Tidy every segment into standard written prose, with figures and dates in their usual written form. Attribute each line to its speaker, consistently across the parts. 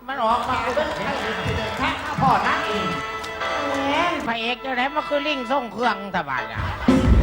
Speaker 1: มันออกมาเป็นพระเอกเดินทางมาพ่อนักเองแหมพระเอกจะไหนมาคือลิงส่งเครื่องตะบานอ่ะ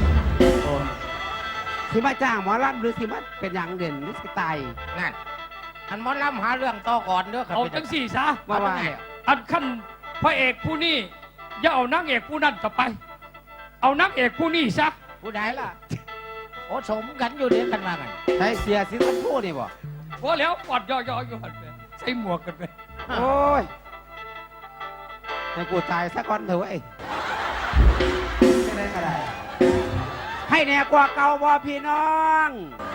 Speaker 2: ที่มาจ้างหมอลำหรือที่มาเป็นอย่างเด่นหรือสิตาย
Speaker 1: นั่นอันหมอลำหาเรื่องต่อก่อนเด้อครับ
Speaker 3: เอาจังสี่ซะ
Speaker 2: ว่า
Speaker 3: อันขั้นพระเอกผู้นี้อย่าเอานางเอกผู้นั้นต่อไปเอานางเอกผู้นี้ซะ
Speaker 1: ผู้ใดล่ะโอ้สมกันอยู่เด้กันว่ากัน
Speaker 2: ใช้เสียสิสันพูนี่บ่
Speaker 3: พอแล้วปอดย่ออยู่หันไปใส่หมวกกันไป
Speaker 2: โอ้ยให้กูตายสักก่อนเถอะไอ้ไม่ได้ก็ได้ให้แน่กว่าเก่าบ่พี่น้อง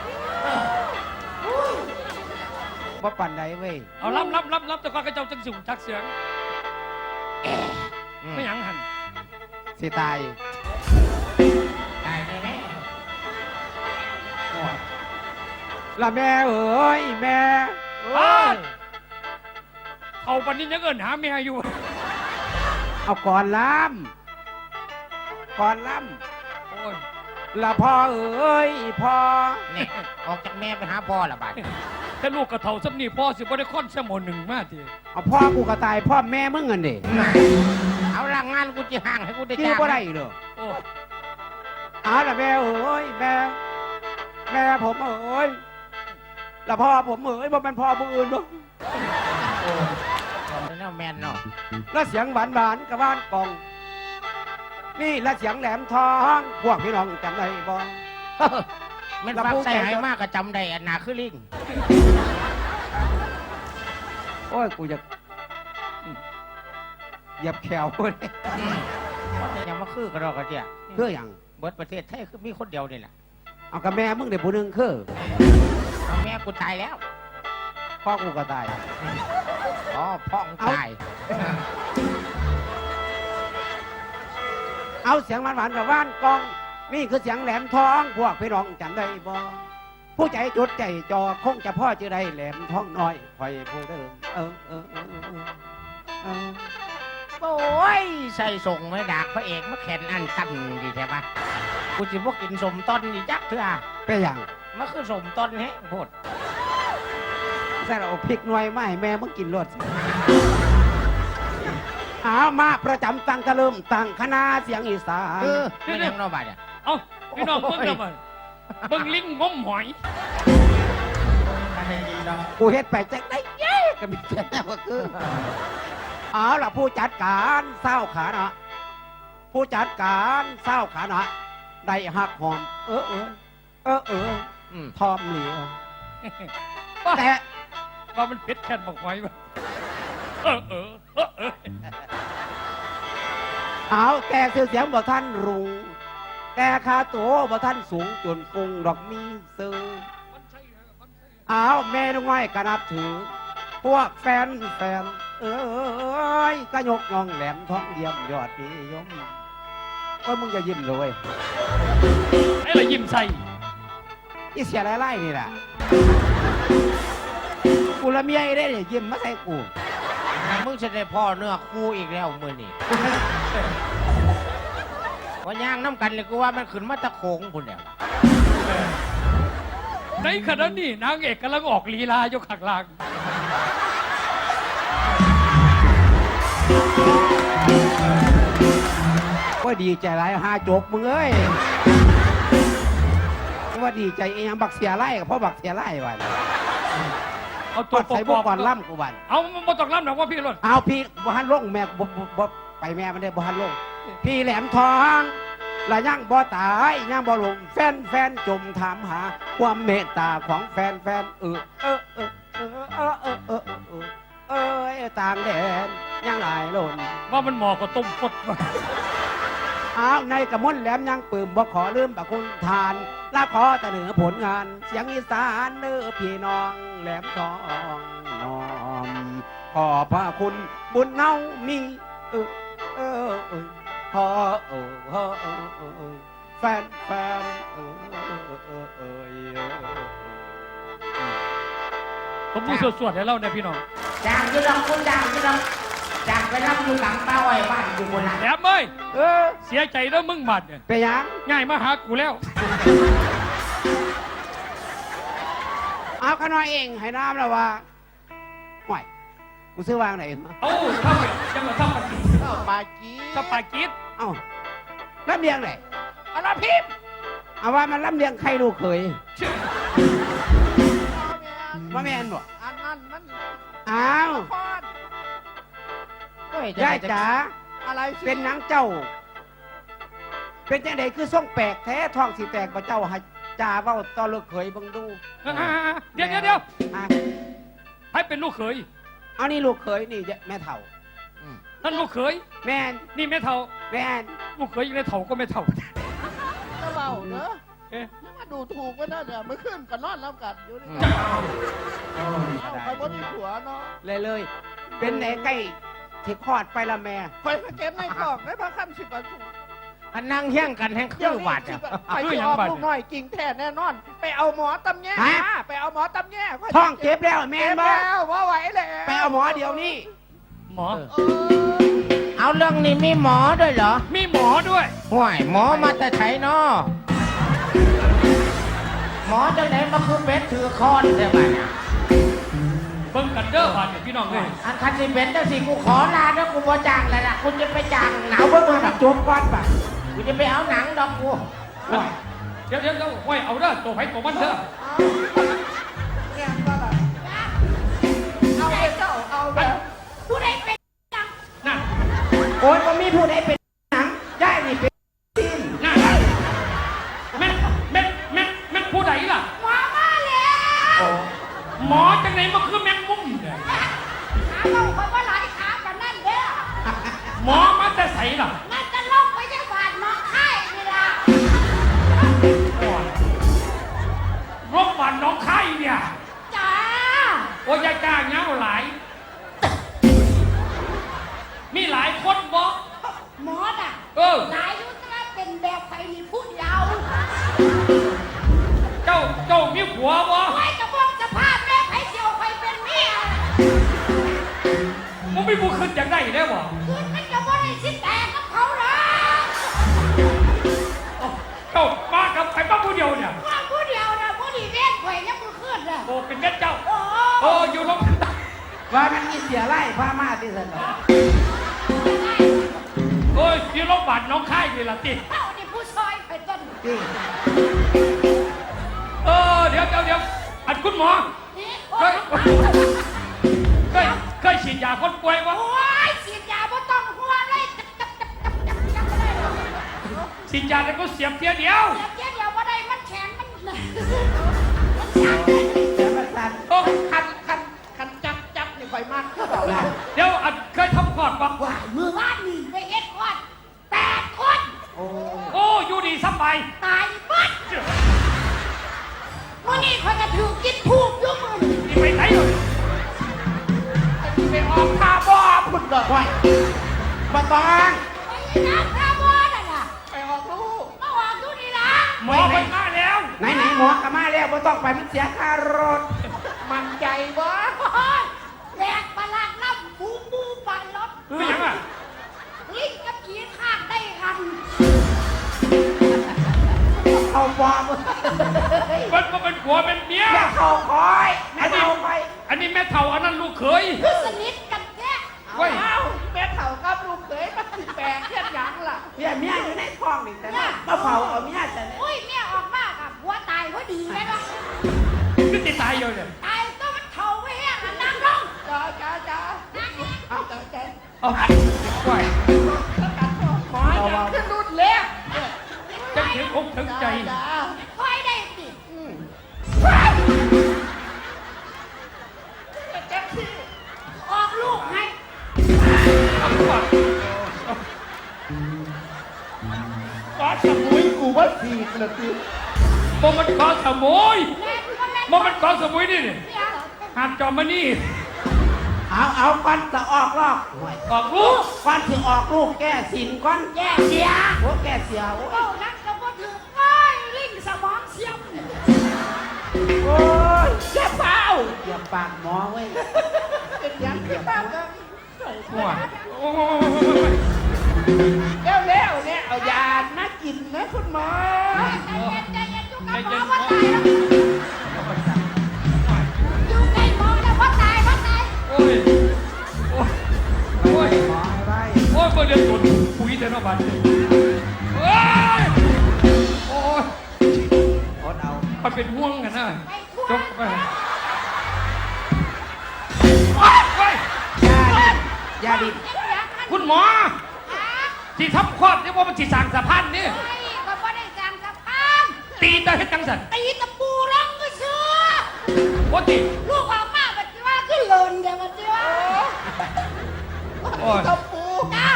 Speaker 2: บ่ปั่นใดเว้ย
Speaker 3: เอารับแต่ก่อนก็เจ้าจังสูงจักเสียงไม่หยังหัน
Speaker 2: สิตายละแม่เอ้ยแม่
Speaker 3: เอาปันนี้ยังเอินหาเมียอยู่
Speaker 2: เอาก่อนล้ำโอ้ยละพ่อเอ้ยพ่อ
Speaker 1: เนี่ยออกจากแม่ไปหาพ่อละบาด
Speaker 3: แต่ลูกกระเทาซ้ำนี่พ่อสิบ่ได้ค่อนแค่หมดหนึ่งมากที
Speaker 2: เอาพ่อกูกระตายพ่อแม่มึงเงินดิ
Speaker 1: เอาล่างงานกูจะห่างให้กูได้
Speaker 2: จ้างก็ได้เหรอเอาละแม่เอ้ยแม่ผมเอ้ยละพ่อผมเอ้ยบ่เป็นพ่อผู้อื่นบ่
Speaker 1: แล้วแมนเนาะ
Speaker 2: แล้วเสียงหวานกับบ้านกองนี่และเสียงแหลมทองพวกพี่น้องจำได้บ่
Speaker 1: มันฟังใส่หายมากก็จำได้อันนาคือลิง
Speaker 2: โอ้ยกูจะเหยียบแขวเลย
Speaker 1: ยังมาคือกระดอกกระเจีย
Speaker 2: เพื่ออย่าง
Speaker 1: เบิดประเทศไทยคือมีคนเดียวนี่แหละ
Speaker 2: เอากับแม่มึงเดี๋ยวผู้หนึ่งคือ
Speaker 1: เอาแม่กูตายแล้ว
Speaker 2: พ่อกูก็ตาย
Speaker 1: อ๋อพ่อตาย
Speaker 2: เอาเสียงหวานกับว่านกองนี่คือเสียงแหลมทองพวกพี่น้องจำได้บ่ผู้ใจจุดใจจอคงจะพ่อจะได้แหลมทองน้อยคอยผู้เดิม
Speaker 1: โอ้ยใส่ส่งไม่ดักพระเอกมาแข่นอันตั้นดีใช่ปะกูจะพวกกินสมต้นนี่จักเถอะ
Speaker 2: เป็นอย่าง
Speaker 1: มันคือสมต้นแฮะพูด
Speaker 2: ใส่เราพริกหน่วยไม่แม่มึงกินรสเอามาประจำตั้งตะลึมตั้งคณะเสียงอีสาน
Speaker 1: ไม่ยังนอบาดเนี่ย
Speaker 3: เอาพี่น้องเพิ่งจะมาเบิ่งลิงงมหอย
Speaker 2: กูเฮ็ดไปจักได้เย้ก็มีแค่ว่าคือเอาล่ะผู้จัดการเศร้าขานะผู้จัดการเศร้าขานะได้หักหอมทอมเหลียวแต่
Speaker 3: ว่ามันเพชรแค่บอกไว้ว่า
Speaker 2: เอาแต่เสียงบ่ท่านรุงแต่คาโตบ่ท่านสูงจนฟุงดอกมีซื้อเอาแม่น้อยก็นับถือพวกแฟนก็ยกย่องแหลมท้องเยี่ยมยอดนิยมก็มึงจะยิ้มเลย
Speaker 3: ไอ้อะไรยิ้มใส่
Speaker 2: อีเสียไล่นี่แหละกูละเมียได้เนี่ยยิ้มมาใส่กู
Speaker 1: มึงจะได้พ่อเนื้อคู่อีกแล้วมือนี่ว่าย่างน้ำกันเลยกูว่ามันขึ้นมาตะโขงพุ่นเนี่ย
Speaker 3: ในขณะนี้นางเอกกำลังออกลีลายกขักลาง
Speaker 2: ว่าดีใจไรหาจบมึงเอ้ยว่าดีใจเองบักเสียไล่กับพ่อบักเสียไล่ไว้
Speaker 3: เอาตัว
Speaker 2: ใส่บวกก่อนล่ำกูบัน
Speaker 3: เอาบ่ต้องล่ำหรอกว่าพี่รถ
Speaker 2: เอาพี่บ่ฮันลงแม่บ่ไปแม่มันได้บ่ฮันลงพี่แหลมทองละย่างบ่ตายย่างบ่ลงแฟนจมถามหาความเมตตาของแฟนต่างแดนย่างหลายล้น
Speaker 3: ว่ามันหมอก็ต้มฟดมา
Speaker 2: เอาในกระมวลแหลมยังปืมบ่ขอลืมประคุณทานและขอแต่เหนือผลงานเสียงอีสานเนื้อพี่น้องแหลมทองน้อมขอพระคุณบุญเน่ามีพอแฟน
Speaker 3: ผมพูดสวดๆให้เราเนี่ยพี่น้อง
Speaker 1: จางที่เราคุณจางที่เราจางไปรับอยู่หลังเต้าไอ้บ้านอยู่บนหลัง
Speaker 3: แหลมเอ้ยเสียใจแล้วมึงบัดเนี่ย
Speaker 2: ไปยัง
Speaker 3: ง่ายมาหากูแล้ว
Speaker 2: เอาขน้อยเองให้น้ำแล้วว่าห่วยกูซื้อวางไหน
Speaker 3: เอ้าถ้าเป็นจังหวะถ้าปากี
Speaker 1: เข้าปากี
Speaker 3: ถ้าปากี
Speaker 2: เอ้าลำเลียงไหน
Speaker 1: อะไรพิมพ์
Speaker 2: เอาว่ามันลำเลียงใครลูกเขยว่าแม่นบ่
Speaker 1: อันนั้นมัน
Speaker 2: อ้าว
Speaker 1: พอดโอ้ย
Speaker 2: ยายจ๋า
Speaker 1: อะไรสิ
Speaker 2: เป็นนางเจ้า เป็นจังไดคือส่งแปลกแท้ท้องสิแตกบ่เจ้าให้จ่าเว้าต่อลูกเขยเบิ่งดู
Speaker 3: เดี๋ยว
Speaker 2: อ่ะ
Speaker 3: ให้เป็นลูกเขย
Speaker 2: เอานี่ลูกเขยนี่แม่เฒ่า
Speaker 3: นั่นลูกเขย
Speaker 2: แม่น
Speaker 3: นี่แม่เฒ่า
Speaker 2: แม่น
Speaker 3: ลูกเขยยังได้เฒ่าก็ไม่เฒ่า
Speaker 1: ก็เบาเนอะ
Speaker 3: เอ๊ะ
Speaker 1: นี่มาดูถูกไว้นะเนี่ยไม่ขึ้นกันนอนแล้วกันอยู่นี่
Speaker 3: จ้า
Speaker 1: เอาไปบ่มีผัวเนาะ
Speaker 2: เลย เป็นไหนใกล้ที่คลอดไปละแม่
Speaker 1: ไปเก็บในกล่องในพระคันสิบประตู
Speaker 4: อันนั่งเฮี้ยงกันแห่งคือหวัด
Speaker 1: สิ
Speaker 4: อ่ะ
Speaker 1: ไปที่ออกลูกน้อยกิ่งแท้แน่นอน ไปเอาหมอตำแย่
Speaker 2: ฮะ
Speaker 1: มาไปเอาหมอตำแย่
Speaker 2: ท้องเจ็บแล้วแม่
Speaker 1: เจ็
Speaker 2: น
Speaker 1: บ
Speaker 2: บ่
Speaker 1: แล้วว่าไหวแล้ว
Speaker 2: ไปเอาหมอเดี๋ยวนี้
Speaker 3: หมอ
Speaker 1: เออ
Speaker 4: เอาเรื่องนี้มีหมอด้วยเหรอ
Speaker 3: มีหมอด้วย
Speaker 4: ห่วยหมอมาแต่ไถนอหมอจังไหนมาคือเป็ดถือคอนใช่ไหมเนี่ย
Speaker 3: เบิ่งกันเด้อบาดเนี่ยพี่น้องเลย
Speaker 4: อันคันสิเป็นจังสิกูขอลาแล้วกูบ่จ้างแล้วล่ะกูจะไปจ้างหนั
Speaker 2: เอา
Speaker 4: ง
Speaker 2: เบิ่งมาแบบจบก่อนป่ะ
Speaker 4: กูจะไปเอาหนังดอกกู
Speaker 3: เดี๋ยวไว้เอาเด้อตัวไผตัวมันเด้อ
Speaker 1: เนี่ยก็แบบเอาไปเจ้าเอาแบบ
Speaker 5: ผู้ใดเป็น
Speaker 3: น่ะ
Speaker 2: โอ้ยบ่มีผู้ใดเป็นหนังได้นี่เป็นทีม
Speaker 3: น่ะแม่นผู้ใดล่ะ
Speaker 5: หมอมาแล้ว
Speaker 3: หมอจังไหนมาคือแมงมุมเนี่ย
Speaker 5: ขาเราคนว่าหลายขากันนั่นเด้อ
Speaker 3: หมอมาแต่ใสล่ะ
Speaker 5: นั่นจะลงไปยังบาดน้องไข่นี่ล่ะ
Speaker 3: รบวันน้องไข่เนี่ย
Speaker 5: จ้า
Speaker 3: โอ้ยจ้าเงาหลาย มีหลายคนบ่
Speaker 5: หมอน่ะ
Speaker 3: เออ
Speaker 5: หลายยุทธนาเป็นแบบไฟนี่พูดยาว
Speaker 3: เจ้ามีผัวบ่
Speaker 5: ไว้จะมองสภาพแม่ไผ่เจียวไฟเป็นเมีย
Speaker 3: มึงไม่ผู้ขึ้นอย่างไรได้บ่
Speaker 5: คืนมันจะบ่ได้ชิ้นแตกกับเขาหรอก
Speaker 3: เจ้ามากับใครบ้างผู้เดียวเนี่ย
Speaker 5: ว่าผู้เดียวนะผู้ดีเล่นไข่ยังมือขึ้นน่ะ
Speaker 3: โอ้เป็นแม่เจ้า
Speaker 5: โอ้
Speaker 3: โอ้อยู่ลง
Speaker 2: ว่ามันมีเสียไล่พามาที่ซั่นเนาะ
Speaker 3: โอ้ยอยู่ลงบัตรน้องไข่นี่ล่ะติ
Speaker 5: เอ้านี่ผู้ซอยไปต้น
Speaker 2: จริง
Speaker 3: เดี๋ยวอันคุณหมอ
Speaker 5: นี่
Speaker 3: เคยเคยฉีดยาคนป่วยวะ
Speaker 5: โอ้ยฉีดยาบ่ต้องห่วงเลยจับเลย
Speaker 3: ฉีดยาแล้วก็เสียบเทียเดียว
Speaker 5: เดี๋ยวเดี๋ยวบ่ได้มันแข็งมัน
Speaker 2: เดี๋ยวมาสั่น
Speaker 3: โอ้
Speaker 1: คันจับนี่ไปมันก็บอก
Speaker 2: นะ
Speaker 3: เดี๋ยวอันเคยทำก่อนปะ
Speaker 5: ว่ามือว่านนี่ไปเฮ็ดคน8 คน
Speaker 2: โอ้
Speaker 3: โอ้อยู่ดีสบาย
Speaker 5: ตายหมดมื้อนี้เขาจะถูกกินผูกอยู่มื้อนี้
Speaker 3: นี่ไปไหนเลย
Speaker 1: ไปออกคาร์บอนพุ่นเลย
Speaker 2: ไว้บ่ต้อง
Speaker 5: ไปน้ำพระบ่นั่นน่ะ
Speaker 1: ไปออกลูก
Speaker 5: มาออกอยู่นี่ล่ะ
Speaker 3: หมอไปมาแล้ว
Speaker 2: ไหนหมอกลับมาแล้วบ่ต้องไปมันเสียค่ารถ
Speaker 1: มันใจวะ
Speaker 5: โอ้ยแหลกประหลาดน้ำบูปันรถ
Speaker 3: ไม่ยังอ่ะ
Speaker 5: ลิงกับผีข้างได้กัน
Speaker 2: เอาปอบ
Speaker 3: มันก็เป็นผัวเป็นเมีย
Speaker 2: แม่เข้าคอยแม่เข้าไป
Speaker 3: อันนี้แม่เฒ่าอันนั้นลูกเขย
Speaker 5: คือสนิทกันแท้
Speaker 3: เว้ย
Speaker 1: เอาแม่เถ่ากับลูกเขยมันสิแปลกเทียนหยังล่ะ
Speaker 2: เมียอยู่ในท้องนี่แต่ว่าบ่เผาเอาเมียแต่เนี่ย
Speaker 5: อุ้ยแม่ออกมากับหัวตายพอดีเลยเนาะ
Speaker 3: คือติดตายอยู่เนี่ย
Speaker 5: ตายก็มันเข่าไว้แห้งอ่ะนั่งลง
Speaker 1: จ้า
Speaker 5: นั่งลง
Speaker 1: เอาจ้าจ้า
Speaker 3: เอาไหว
Speaker 1: หมอยังขึ้นรุ่นเล็ก
Speaker 3: จะถึงอกถึงใจ
Speaker 1: จ้า
Speaker 5: คอยได้สิ
Speaker 1: แจ็คซี่
Speaker 5: ออกลูกให้
Speaker 3: เอาก่อน
Speaker 1: ก้อนสมุยกูว่าสีกระตือ
Speaker 3: บ่มันกอสมุย
Speaker 5: แม่ก็แม่
Speaker 3: บ่มันกอสมุยนี่นี่
Speaker 5: เนี่ย
Speaker 3: หาดจอมมานี่
Speaker 2: เอาก่อนจะออกรอบห่วย
Speaker 3: ออกลูก
Speaker 2: ก่อนสิออกลูกแก้สินก่อน
Speaker 5: แย่เสีย
Speaker 2: โอ้แก้เสียโอ้
Speaker 5: เอ้านักก็บ่ถึงเอ้ยลิงสมองเสียม
Speaker 2: โอ้ย
Speaker 1: เจ็บเปล่า
Speaker 2: เหยียบปากหมอเว้ย
Speaker 1: เป็นหยังขึ้นบ้างกัน
Speaker 3: หัวโอ้ย
Speaker 1: เร็วเนี่ยเอายามากินนะคุณหมอ
Speaker 5: ใจเย็นอยู่กับหมอว่าตายแล้วอยู่ใกล้หมอแล้วว่าตาย
Speaker 3: โอ้ยนาะบัดเฮ้ยโอ้ย
Speaker 2: อดเอา
Speaker 3: มันเป็นห่วงกันนะ
Speaker 5: ไปทั่ว
Speaker 3: จกไป
Speaker 2: ยาดิ
Speaker 3: คุณหมอที่ทำคลอดนี่ว่ามันจีสางสะพานนี่
Speaker 5: ไอ้ก็บ่ได้จางสะพาน
Speaker 3: ตีตาเฮ็ดจังสัน
Speaker 5: ตีตะปูร้องก็เชื่อ
Speaker 3: ว่าตี
Speaker 5: ลูกออกมาบัดนี้ว่าขึ้นเลินเดี๋ยวบัดนี้ว่า
Speaker 3: โอ้ย
Speaker 5: ตะปูจ้า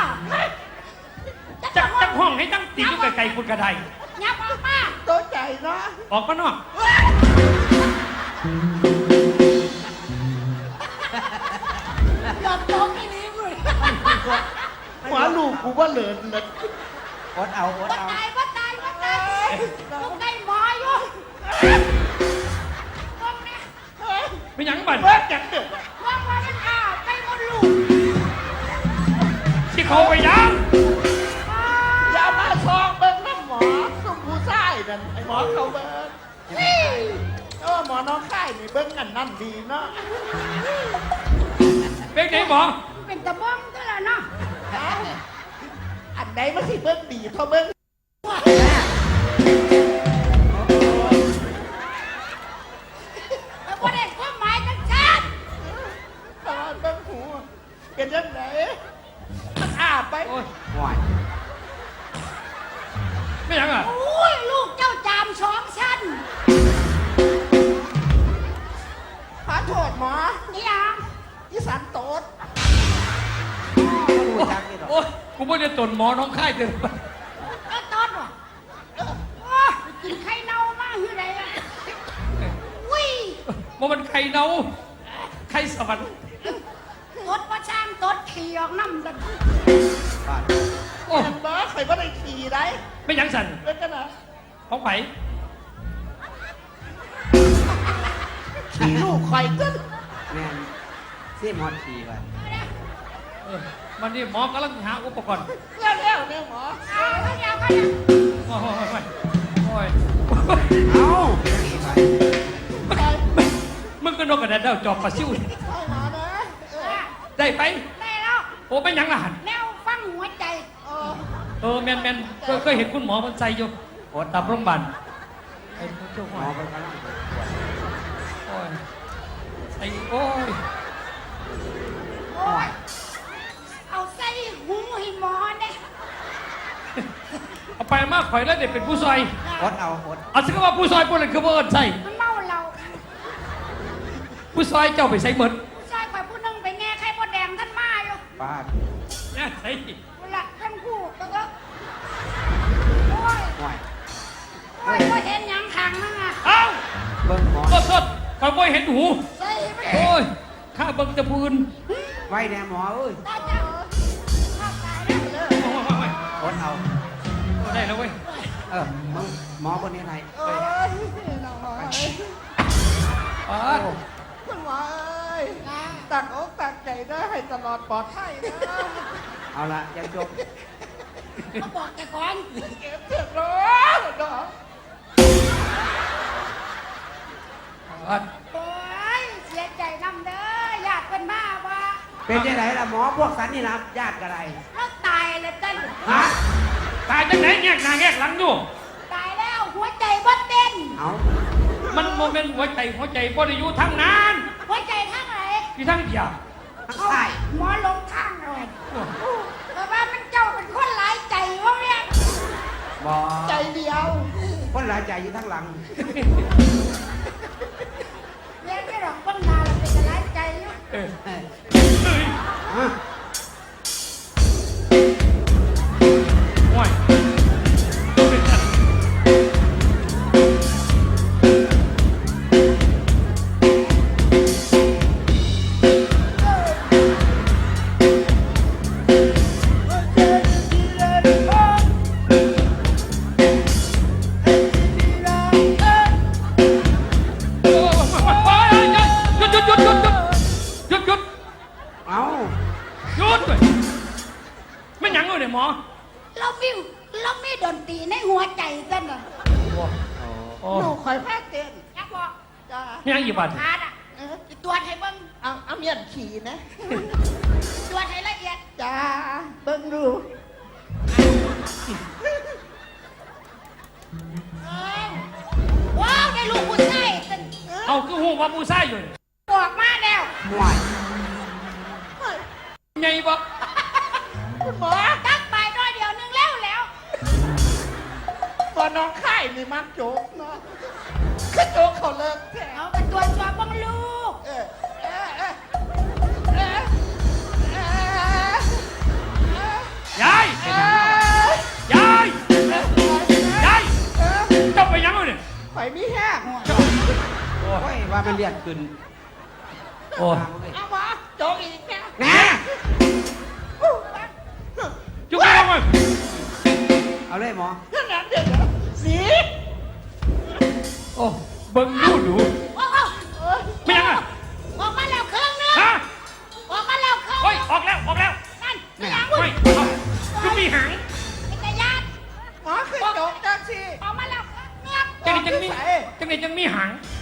Speaker 3: จักห้องให้ตั้งตีอยู่ไกลๆคุณกระได
Speaker 5: ยับออกมา
Speaker 4: ตัวใจเนาะ
Speaker 3: ออกมานอก
Speaker 5: หยอดโตกินนี้มึง
Speaker 4: หัวลูกกูว่าเหลินเลย
Speaker 2: อดเอาอด
Speaker 5: ว่า
Speaker 2: เอา
Speaker 5: ตายว่าตายว่าตายลูกได้หมออยู่พวกนี้
Speaker 3: ไม่หยังบัน
Speaker 4: เบิกจังเดือด
Speaker 5: พวกมันอ้าวไปหมดลูก
Speaker 3: ที่เขาไปยัง
Speaker 4: อย่ามาซองเบิ้งน้ำหมอสุมผู้ชายนั่นไอ้หมอเขาเบิ้งหมอน้องค่ายนี่เบิ้งอันนั่นดีเนาะ
Speaker 3: เป็นไหนหมอ
Speaker 5: เป็นตะบ้องก็แล้วเนาะ
Speaker 4: อันไหนมันสิเบิ้งดีเท่าเบิ้ง
Speaker 5: แล้วก็ได้ความหมายจังชัด
Speaker 4: ตอนเบิ้งหูเป็นยังไงมันอาบไป
Speaker 3: โอ้ย
Speaker 2: ห่วย
Speaker 3: ไม่หยังอ่ะ
Speaker 5: โอ้ยลูกเจ้าจามสองชั้น
Speaker 4: ขอโทษหมอ
Speaker 5: นี่ยัง
Speaker 4: อีสานโตด
Speaker 2: รู้จักนี่หรอก
Speaker 3: โอ้ยกูไม่ได้ตนหมอน้องค่ายเดินไป
Speaker 5: ก็ต้นว่ะโอ้ยกินไข่เน่ามากอยู่ไหนอ่ะวิ่ง
Speaker 3: มันไข่เน่าไข่สวรรค์
Speaker 5: ตดว่าช่างตดขี่ออกน้ำกัน
Speaker 2: บ้าน
Speaker 3: โอ้ย
Speaker 4: อันหมอใครว่าได้ขี่ได้
Speaker 3: ไม่หยังสัน
Speaker 4: เบิ้งกันนะ
Speaker 3: ของไผ่
Speaker 4: ขี่ลูกคอยตึ้ง
Speaker 2: แม่นซีมอดทีไป
Speaker 3: มันนี่หมอกำลังหาอุปกรณ์
Speaker 4: เร็วเนี่ยหมอ
Speaker 5: เอาเขาเดียวเขาเดียว
Speaker 3: โอ้ยโอ้ย
Speaker 2: เอาอย่างนี้ไป
Speaker 3: มึงก็นกกระดาษเดาจอบปลาซิว
Speaker 4: ไปหมอนะ
Speaker 3: ได้ไป
Speaker 5: ได้แล้ว
Speaker 3: โอ้เป็นหยังล่ะหัน
Speaker 5: แนวฟังหัวใจ
Speaker 3: แมนเคยเห็นคุณหมอมันใส่อยู่โอ้ตับโรงพยาบาลไอ้ผู้ช่วย
Speaker 2: หมอเป็นกำลัง
Speaker 3: โอ้ยไอ้โอ้ย
Speaker 5: โอ้ยเอาใส่หูให้หมอเนี่ย
Speaker 3: เอาไปมากข่อยแล้วเด็กเป็นผู้ซอย
Speaker 2: อดเอาอด
Speaker 3: เอาสิว่าผู้ซอยพวกนั้นคือว่าเอินใส่
Speaker 5: มันเมาเรา
Speaker 3: ผู้ซอยเจ้าไปใส่เหมือน
Speaker 5: ผู้ชายไปผู้หนึงไปแง่ไข่มดแดงท่านมาอยู่
Speaker 2: บ้าน
Speaker 3: เนี่ยใส่
Speaker 5: เวลาท่านคู่ก็โอ้ย
Speaker 2: ห่วย
Speaker 5: โอ้ยก็เห็นหยังขังนั่งอ่ะ
Speaker 3: เอ้า
Speaker 2: เบิ่งหมอ
Speaker 3: สดข่อยบ่เห็นหู
Speaker 5: ใส่ไป
Speaker 3: โอ้ยข้าเบิ่งแตะพูน
Speaker 2: ไว้แน่หมอเอ้ย
Speaker 5: ตายจังข้าตายแล้ว
Speaker 2: อดเอา
Speaker 3: ได้แล้วเว้ย
Speaker 2: มึงหมอคนนี้ไหน
Speaker 4: โอ้ยน้องหมอ
Speaker 3: อ๋อ
Speaker 4: คุณหมอเอ้ยตักอกตักใจได้ให้ตลอดปลอดภัยนะ
Speaker 2: เอาละยังจบ
Speaker 5: เขาบอกแต่ก่อน
Speaker 4: เก็บเสร็จแล้วเนาะ
Speaker 5: โอ้ยเสียใจนำเด้อญาติเป็นมาว่า
Speaker 2: เป็นยังไงล่ะหมอพวกสันนี่นะญาติกันไร
Speaker 5: แล้วตายเลยเต้น
Speaker 2: ฮะ
Speaker 3: ตายจังไหนแงกหน้าแงกหลังอยู่
Speaker 5: ตายแล้วหัวใจบ่เต้น
Speaker 2: เอา
Speaker 3: มันโมเมนต์หัวใจบ่ได้อยู่ทั้งนั้น
Speaker 5: หัวใจทั้งไหน
Speaker 3: ที่ทั้งเดียว
Speaker 2: ทั้งใต้
Speaker 5: หมอลงข้างเลยแต่ว่ามันเจ้าเป็นคนหลายใจวะเนี่ย
Speaker 2: บอ
Speaker 4: ใจเดียว
Speaker 2: คนหลายใจอยู่ทั้งหลัง
Speaker 5: เรียนไม่หรอกคนมาเราเป็นหลายใจอยู่
Speaker 3: เออ
Speaker 2: เอ้ย
Speaker 3: เอ้ย
Speaker 2: ฮะ
Speaker 3: ห่วย หยุด
Speaker 2: เอา
Speaker 3: เลยไม่หยังเลยเนี่ยหมอ
Speaker 5: เรามีดนตรีในหัวใจเต้นอ่ะ
Speaker 3: โอ้
Speaker 4: หนูคอยแพ้เต้น
Speaker 5: อยากบอก
Speaker 4: จ้า
Speaker 3: ยังอีกบาท
Speaker 5: พาดอ่ะตรวจให้เบิ่ง
Speaker 4: เอาเมียนขี่นะ
Speaker 5: ตรวจให้ละเอียด
Speaker 4: จ้าเบิ่งดู
Speaker 5: เ
Speaker 3: ว่าผู้ชายอยู่นี่
Speaker 5: บอกมาแล้ว
Speaker 2: ห่วย
Speaker 3: ไงบ่
Speaker 4: คุณหมอ
Speaker 5: ตักไปน้อยเดียวนึงแล้วแล้ว
Speaker 4: ตัวน้องค่ายนี่มักโจกเนาะคือโจกเขาเลิกแท้
Speaker 5: เอาเป็นตัวชัวร์บ้างลูก
Speaker 4: เออเออเออเออเออย
Speaker 3: าย
Speaker 4: เออย
Speaker 3: ายยายเจ้าไปยังเลยเนี่ย
Speaker 4: ข่อยมีแห้ง
Speaker 2: โอ้ยว่ามันเลียดขึ้น
Speaker 3: โอ้
Speaker 4: เอาหมอโจกอีกแน่
Speaker 2: นะ
Speaker 3: จุกไปลงมา
Speaker 2: เอาเลยหมอ
Speaker 4: เดี๋ยวสี
Speaker 3: โอ้เบิ่งดูดู
Speaker 5: โอ้โห
Speaker 3: ไม่ยังอ่ะ
Speaker 5: ออกมาแล้วเครื่องนึง
Speaker 3: ฮะ
Speaker 5: ออกมาแล้วเครื่อง
Speaker 3: โอ้ยออกแล้วออกแล้ว
Speaker 5: นั่น
Speaker 2: ไม่
Speaker 5: ไม่
Speaker 2: เอา
Speaker 5: ยัง
Speaker 3: ไม่จุกมีหาง
Speaker 5: เป็นตาญาติ
Speaker 4: หมอคือโจกจังสิ
Speaker 5: ออกมาแล้วเงือก
Speaker 3: จังนี่จังมีจังนี่จังมีหาง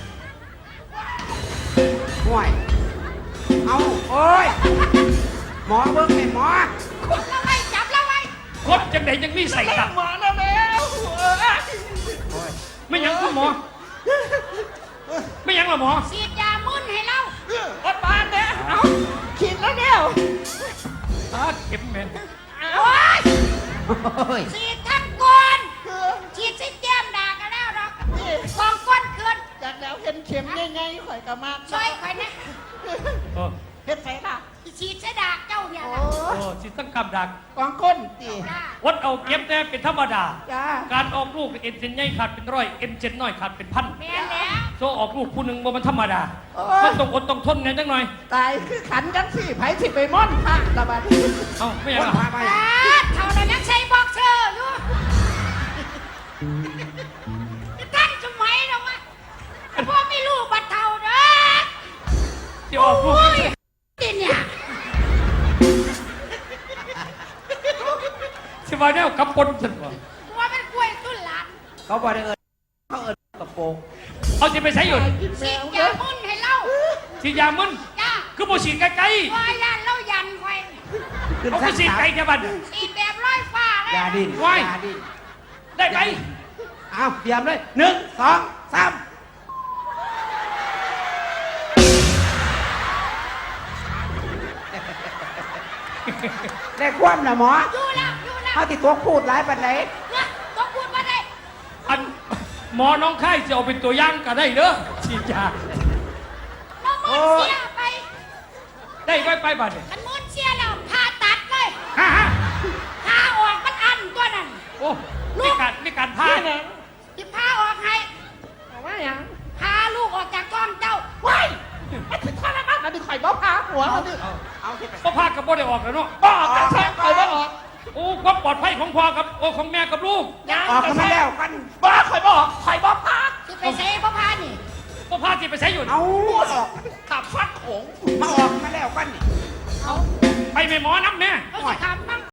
Speaker 2: ห่วย เอาโอ้ย หมอเบิ่งให้หมอ
Speaker 5: จับแล้วไว้จับแล้วไว้
Speaker 3: คดจังไหนจังมีใส่ตับ
Speaker 4: หมอแล้วแล้วเออ
Speaker 2: โอ้ย
Speaker 3: ไม่ยังคุณหมอ ไม่ยังหรอหมอ
Speaker 5: ฉีดยามึนให้เรา
Speaker 4: อดบานเนี่ยเอาขีดแล้วเนี่ย
Speaker 3: เข็มแม่
Speaker 5: โอ้ย
Speaker 2: โอ้ย
Speaker 5: ฉีดทั้งก้น
Speaker 4: คือ
Speaker 5: ฉีดสิแก้มด่ากันแล้วหรอกกองก้นคืน
Speaker 4: จากแล้วเห็นเข็มง่ายๆข่อยก็มาก
Speaker 5: ช่วยข่อยนะ
Speaker 3: โอ้
Speaker 4: เฮ็ดไสล่ะ
Speaker 5: ฉีดเสดากเจ้าเนี่ย
Speaker 4: โอ้
Speaker 5: นะ
Speaker 3: โอ้สิตั้งกำดัก
Speaker 4: กองก้นตี
Speaker 5: จ้า
Speaker 3: วัดเอาเก็บแต่เป็นธรรมดา
Speaker 4: จ้า
Speaker 3: การออกลูกเอ็นเซนใหญ่ขาดเป็นร้อยเอ็นเซนน้อยขาดเป็นพัน
Speaker 5: แม่นแล้ว
Speaker 3: โซออกลูกผู้หนึ่งบ่มันธรรมดา
Speaker 4: โอ้
Speaker 3: มัน
Speaker 4: ย
Speaker 3: ต้องอดต้องทนไงจังหน่อย
Speaker 4: ตายคือขันจังสิไผสิไปม่อนพระละบัดนี้
Speaker 3: เอ้าไม่ยัง
Speaker 2: คน
Speaker 3: อ่ะ
Speaker 2: พาไป
Speaker 5: เท่านั้นยังใช้บ็อกเซอร์อยู่ท่านสมัยหรอวะพ่อไม่รู้บัดเท่าเด้อ
Speaker 3: ที่ออกลูก
Speaker 5: โอ้ยติเนี่ย
Speaker 3: สิว่าแนวกับปนสันบ่
Speaker 5: ตัวเป็นกล้วยตุ้นหลาน
Speaker 2: เขาบอกได้เขาเอินกระโปรง
Speaker 3: เอาสิไปใช้อยู่
Speaker 5: ฉีดยามึนให้เรา
Speaker 3: ฉีดยามึน
Speaker 5: จ้า
Speaker 3: คือบ่ฉีดไกล
Speaker 5: วายันเรายันไว้
Speaker 2: ขึ้น
Speaker 3: ๆเอา
Speaker 2: สั
Speaker 3: คื
Speaker 2: ก
Speaker 3: อฉีด
Speaker 2: สาม
Speaker 3: ไกลแค่บัด
Speaker 5: ฉีดแบบร้อยฟ้าเลย
Speaker 2: ยาดิน
Speaker 3: ไว้
Speaker 2: ยาดิน
Speaker 3: ได้ไป
Speaker 2: เอาเตรียมเลย1 2 3ได้ความนะหมอ
Speaker 5: อยู่แล้วอยู่แล้ว
Speaker 2: เขาติดตัวพูดหลายปันไหน
Speaker 5: เนี่ยต้องพูดมาได้
Speaker 3: อันหมอน้องไข้จะเอาเป็นตัวอย่างก็ได้เด้อฉีดยา
Speaker 5: น้องมืนเสียไป
Speaker 3: ได้ไปบัดเนี่ย
Speaker 5: มันมืนเสียแล้วผ่าตัดเลย
Speaker 3: ฮะ
Speaker 5: ผ่าออกมันอันตัวนั้น
Speaker 3: โอ้มีการพา
Speaker 4: นี่นะ
Speaker 5: ที่ผ่าออกให้
Speaker 4: เอาว่าหยัง
Speaker 5: พาลูกออกจากท้องเจ้า
Speaker 4: ว้ายมันถึงข้อละมันอันนี้ข่อยบ่พาหัวมันนี่
Speaker 2: เอาที่ไป
Speaker 3: ก็พากับบ่ได้ออกแล้วเนาะ
Speaker 4: บ่ออกจากแท้ข่อยบ่ออก
Speaker 3: โอ้ความปลอดภัยของพ่อกับโอ้ของแม่กับลูก
Speaker 4: ยัง
Speaker 2: ออกกันมาแล้วกัน
Speaker 4: บ่ข่อยบ่ออกข่อยบ่พา
Speaker 5: ที่ไปเซ่พ่อพานี่
Speaker 3: ก็พาสิไปใช้อยู่
Speaker 2: เอาออก
Speaker 4: ขับฟัดโขง
Speaker 2: มาออกมาแล้วกันนี่
Speaker 3: ไปแม่หมอนับแม่
Speaker 5: เขาจะทำบ้าง